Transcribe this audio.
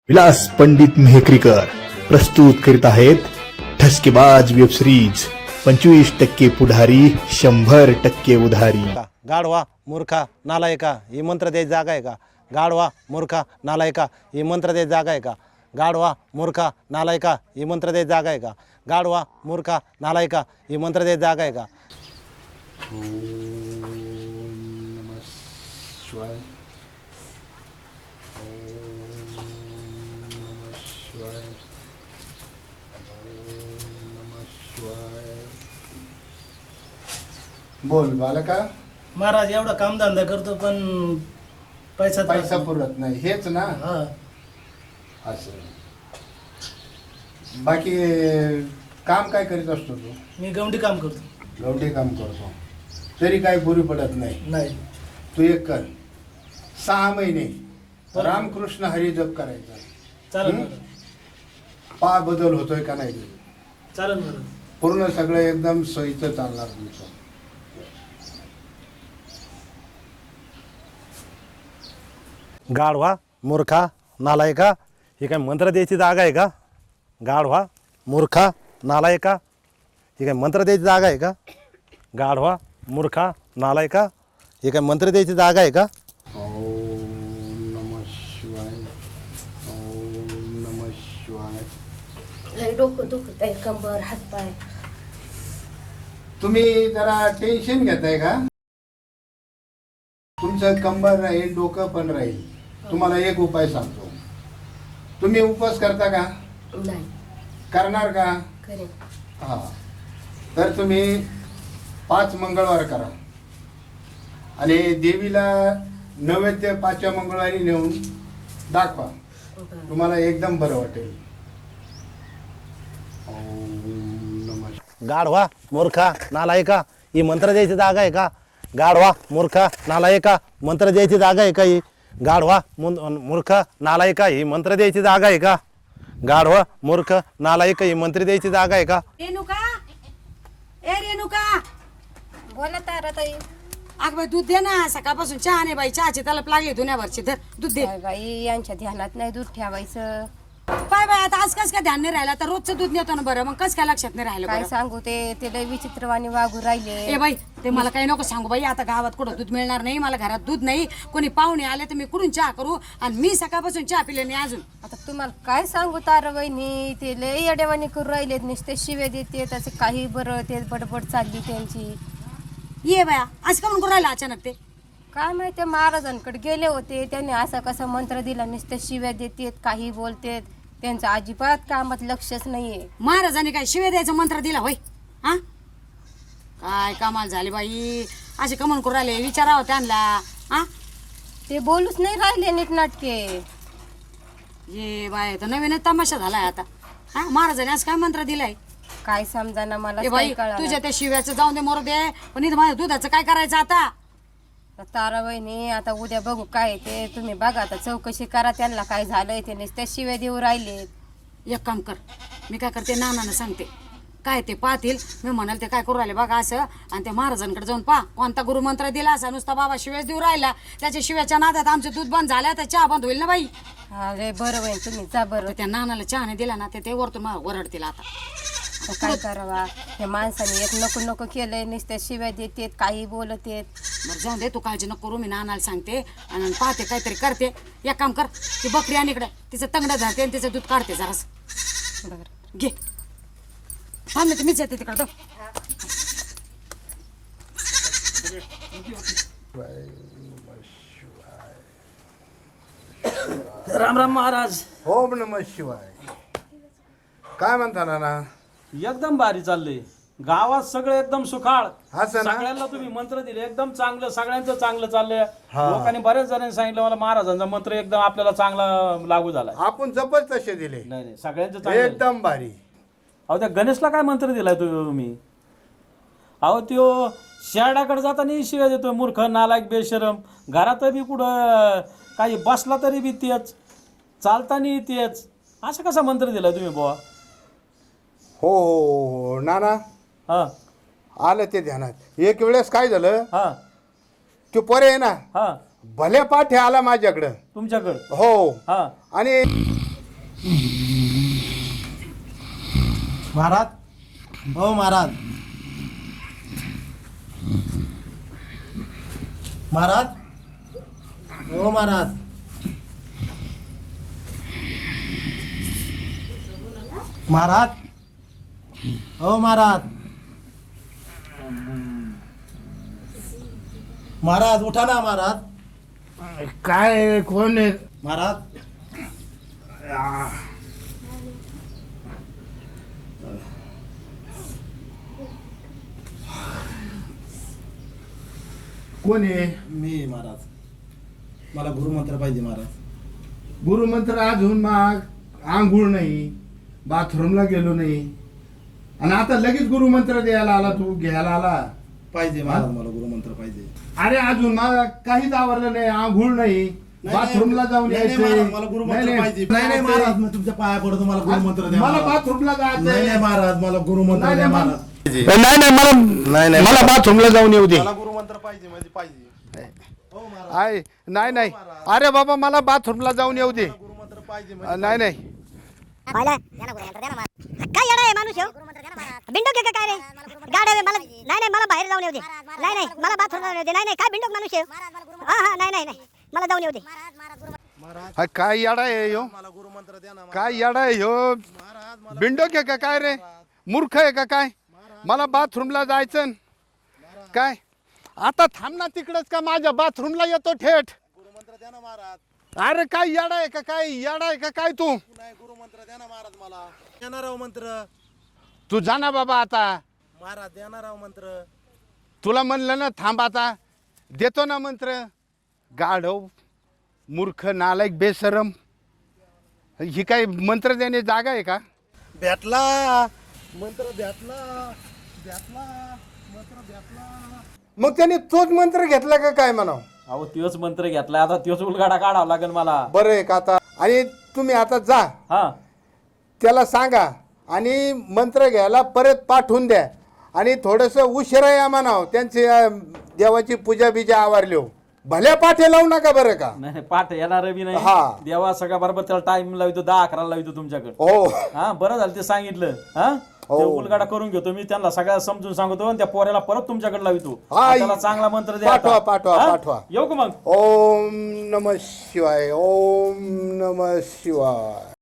विलास पंडित मेहकरीकर प्रस्तुत करीत आहेत ठसकेबाज वेब सिरीज 25% पुढारी 100% उधारी. गाढवा मूर्खा नालायका ही मंत्र द्यायची जागा आहे का? गाढवा मूर्खा नालायका ही मंत्र द्यायची जागा आहे का? गाढवा मूर्खा नालायका ही मंत्र द्यायची जागा आहे का? गाढवा मूर्खा नालायका ही मंत्र द्यायची जागा आहे का? बोल बालका. महाराज एवढा कामधंदा करतो पण पैसा पुरत नाही हेच ना. हा. असं बाकी काम काय करीत असतो तू? मी गवंडी काम करतो. गवठी काम करतो तरी काही पुरी पडत नाही. नाही तू एक कर 6 महिने रामकृष्ण हरी जप करायचा. चालेल हं? महाराज. पा बदल होतोय का नाही चालेल महाराज. पूर्ण सगळं एकदम सोयीचं चालणार तुमचं. गाढवा मूर्खा नालायका ही काय मंत्र द्यायची जागा आहे का? गाढवा मूर्खा नालायका ही काय मंत्र द्यायची जागा आहे का? गाढवा मूर्खा नालायका ही काय मंत्र द्यायची जागा आहे का? ओम नमः शिवाय. ओम नमः शिवाय. लय डोकं दुखत आहे, कंबर हातपाय. तुम्ही जरा टेन्शन घेताय का? तुमचं कंबर राहील, डोकं पण राहील. तुम्हाला एक उपाय सांगतो. तुम्ही उपवास करता का? नाही करणार का? करेन. हा तर तुम्ही 5 मंगळवार करा आणि देवीला नैवेद्य 5व्या मंगळवारी नेऊन दाखवा. बरं. तुम्हाला एकदम बरं वाटेल. ओम नमः. गाढवा मूर्खा नालायका ही मंत्र द्यायची जागा आहे का? गाढवा मूर्खा नालायका मंत्र द्यायची जागा आहे का? ही गाढवा मूर्ख नालायका ही मंत्र द्यायची जागा आहे का? गाढवा मूर्ख नालायका ही मंत्र द्यायची जागा आहे का? रेणुका, ए रेणुका, बोला ताराताई. अग बाई दूध दे ना. सकाळपासून चहा नाही बाई, चहाची तलप लागली धुण्यावरची. तर दूध दे. काय बाई यांच्या ध्यानात नाही दूध ठेवायचं. काय बाई आता आज कस काय ध्यान नाही राहिलं? तर रोजचं दूध नेतो ना. बरं मग कस काय लक्षात नाही राहिलं? काय बरं? सांगू ते लय विचित्रवाणी वागू राहिले. ए बाई ते मला काही नको सांगू बाई. आता गावात कुठं दूध मिळणार नाही मला. घरात दूध नाही. कोणी पाहुणे आले तर मी कुठून चहा करू? आणि मी सकाळपासून चहा पिले नाही अजून. आता तुम्हाला काय सांगू तारा वहिनी, ते लय येडेवाणी करू राहिलेत. नुसते शिवे देते त्याचे काही बरं ते बडबड चालली त्यांची. ये बाया आज का म्हणून करू राहिला अचानक ते? काय माहिती महाराजांकडे गेले होते, त्यांनी असा कसा मंत्र दिला. नुसते शिव्या देतेत, काही बोलतेत. त्यांचं अजिबात कामात लक्षच नाहीये. महाराजांनी काय शिवे द्यायचा मंत्र दिला होय? हा काय कमाल झाली बाई. असे कमन करू राहिले विचारावं त्यांना. हा ते बोलूच नाही राहिले नीटनाटके. ये बाय तर नवीनच तमाशा झालाय आता. हा महाराजांनी आज काय मंत्र दिलाय? काय समजाना मला ए बाई तुझ्या त्या शिव्याचं जाऊन दे मोर दे. पण इथं माझ्या दुधाचं काय करायचं आता? तारा वहिनी आता उद्या बघू काय ते. तुम्ही बघा आता चौकशी करा त्यांना काय झालंय. ते नुसते शिव्या देऊ राहिले. एक काम कर, मी काय करते नानानं सांगते काय ते पाहतील. मी म्हणाल ते काय करू राहिले बघा असं. आणि त्या महाराजांकडे जाऊन पहा कोणता गुरुमंत्र दिला असा. नुसता बाबा शिव्याच देऊ राहिला. त्याच्या शिव्याच्या नादात आमचं दूध बंद झालं तर चहा बंद होईल ना बाई. अरे बरं वहिनी तुम्ही जा बरं. तर त्या नानाला चहाने दिला ना ते वरतून मला ओरडतील आता. आता काय करावा. या माणसाने एक नको नको केलंय. नुसत्या शिव्या देतेत, काही बोलतेत. बरं जाऊन दे तू काळजी नको करू. मी नानाला सांगते आणि पाहते काहीतरी करते. एक काम कर ती बकरी आणि इकडे तिचं तंगडं झाते आणि तिचं दूध काढते जरास. बरं घे थांब नाही मीच येते तिकडं. राम राम महाराज. ओम नमः शिवाय. काय म्हणता नाना? एकदम भारी चाललंय. गावात सगळे एकदम सुखाळ. असं ना? सगळ्यांना तुम्ही मंत्र दिले एकदम चांगलं. सगळ्यांचं चांगलं चाललंय. लोकांनी बऱ्याच जणांनी सांगितलं मला महाराजांचा मंत्र एकदम आपल्याला चांगला लागू झालाय. आपण जपच तसे दिले. नाही नाही सगळ्यांचं चांगलं. एकदम भारी. अहो त्या गणेशला काय मंत्र दिलाय तुम्ही? अहो त्यो शेरडाकडे जाताना शिव्या देतोय मूर्ख नालायक बेशरम. घरात बी कुठं काही बसला तरी बी तेच, चालताना तेच. असं कसा मंत्र दिलाय तुम्ही बुवा? हो हो हो नाना हा आलं ते ध्यानात. एक वेळेस काय झालं, हा तो पोरे आहे ना हा भले पाठे आला माझ्याकडं. तुमच्याकडं हो हा आणि महाराज हो महाराज महाराज हो महाराज महाराज हो महाराज महाराज उठा ना महाराज काय कोण आहे? महाराज कोण आहे? मी महाराज मला गुरुमंत्र पाहिजे महाराज गुरुमंत्र अजून मग आंघोळ नाही, बाथरूमला गेलो नाही आणि आता लगेच गुरुमंत्र द्यायला आला, तू घ्यायला आला. पाहिजे महाराज मला गुरुमंत्र पाहिजे अरे अजून मला काहीच आवडलं नाही, आंघोळ नाही, बाथरूमला जाऊन नाही, नाही, यायचंय. महाराज, मला गुरुमंत्र नाही, पाहिजे नाही, नाही महाराज मी तुमच्या पाया पडतो मला गुरुमंत्र द्या मला महाराज. बाथरूमला नाही जायचंय. नाही महाराज मला गुरुमंत्र नाही, द्या नाही, महाराज नाही नाही मला नाही, मला बाथरूमला जाऊन येऊ दे. मला गुरुमंत्र पाहिजे म्हणजे पाहिजे हो महाराज आहे नाही नाही अरे बाबा मला बाथरूमला जाऊन येऊ दे. गुरुमंत्र पाहिजे म्हणजे नाही नाही काय येणार आहे माणूस ह्यो? बिंडोक आहे का काय रे गाड्या मला नाही नाही मला बाहेर जाऊन येऊ दे नाही नाही मला बाथरूम जाऊन येऊ दे नाही नाही काय बिंडोक माणूस ह्यो? हा हा नाही नाही नाही मला जाऊन येऊ दे हा, काय याडा आहे ह्यो? मला गुरुमंत्र द्या ना काय याडा आहे ह्यो? बिंडोक आहे का काय रे? मूर्ख आहे का काय? मला बाथरूमला जायचं काय? आता थांब ना तिकडच का माझ्या बाथरूमला येतो थेट. गुरुमंत्र द्या ना महाराज अरे काय याडा आहे का काय? याडा आहे का काय तू? नाही गुरुमंत्र द्या ना महाराज मला देणार राव मंत्र तू जा ना बाबा आता. महाराज देणार राव मंत्र तुला म्हणलं ना थांब आता, देतो ना मंत्र. गाढव मूर्ख नालायक बेशरम, ही काय मंत्र देणे जागा आहे का? भेटला मंत्र भेटला भेटला मंत्र भेटला. मग त्याने तोच मंत्र घेतला का काय म्हणाव? अहो त्योच मंत्र घेतलाय आता त्योच उलगाडा काढावा लागेल मला. बरं आहे का आता? आणि तुम्ही आता जा हा त्याला सांगा आणि मंत्र घ्यायला परत पाठवून द्या आणि थोडंसं उशिरा या म्हणाव. त्यांची देवाची पूजा बिजा आवारली भल्या पाठे लावू नका बरं का? नाही पाठ येणार बी नाही हा. देवा सगळ्या बरोबर त्याला टाइम लावतो 10-11 लावतो तुमच्याकडे. हो हा बरं झालं ते सांगितलं. हा हो. ते उलगाडा करून घेतो मी त्यांना सगळ्या समजून सांगतो आणि त्या पोऱ्याला परत तुमच्याकडे लावतो. हा, त्याला चांगला मंत्र द्या पाठवा, आता. पाठवा, हा? पाठवा. येऊ का मग? ओम नमः शिवाय, ओम नमः शिवाय.